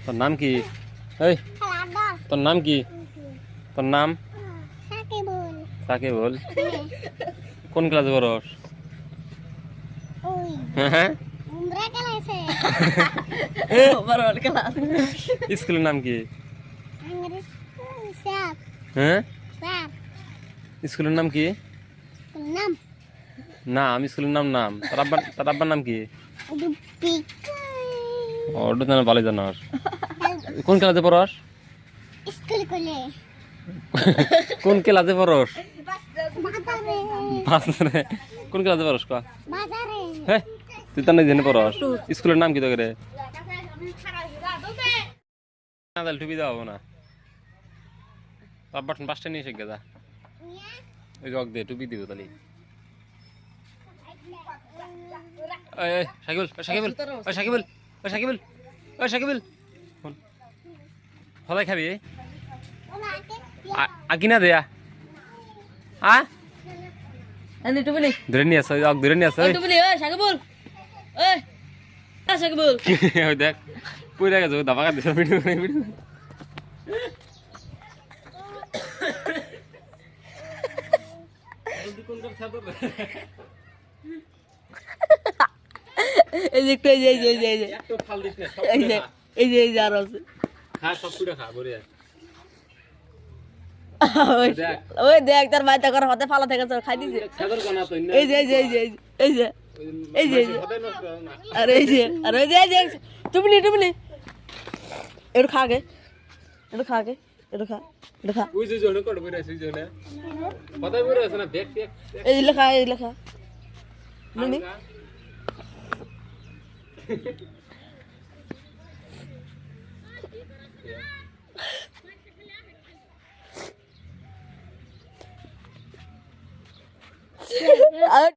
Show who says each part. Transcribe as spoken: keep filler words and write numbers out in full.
Speaker 1: তোর নাম কি? এই তোর নাম কি? তোর নাম সাকিবুল। কোন ক্লাসে পড়স? হ্যাঁ স্কুলের নাম কি? হ্যাঁ স্কুলের নাম কি? নাম স্কুলের নাম নাম তার আব্বার তার আব্বার নাম কি? ওটা জানা ভালো জানাস। কোন ক্লাসে পড়স? কোন ক্লাসে পড়স? বাজারে। কোন ক্লাসে পড়স ক? হ্যাঁ তুই তো না জেনে পড়স। স্কুলের নাম কি তো করে? না তাহলে টুপি দেওয়া হবো না। আব্বার পাঁচটা নিয়ে এসে গেছা ওই রক দে টুপি দিব তাহলে। সাকিবুল সাকিবুল সাকিবুল সাকিবুল সাকিবুল হলাই খাবি আকিনা দেয়া আ ধরে নিয়ে আসো ধরে নিয়ে আসো
Speaker 2: সাকিবুল সাকিবুল
Speaker 1: দেখ পুরা গেছে দাবা কাট দিছে ভিডিও ভিডিও
Speaker 2: এই যে একটু এই যে এই যে এই যে
Speaker 1: একটু ফাল দিস না
Speaker 2: এই যে এই যে এই যে আর আছে
Speaker 1: খা সব পুরো খা বড়িয়া
Speaker 2: ওই দেখ তার মাইতা করে হাতে ফালা থেকে খাই দিছে
Speaker 1: সাদর কোনা তো
Speaker 2: এই যে এই যে এই যে এই যে এই যে আরে এই যে আরে এই যে এই যে তুমি নি তুমি নি একটু খা গে একটু খা গে একটু খা একটু খা
Speaker 1: ওই যে জনে কোড বইরা আছে জনে কথা বইরা আছে না ব্যাগ ব্যাগ
Speaker 2: এই যে লেখা এই লেখা নি নি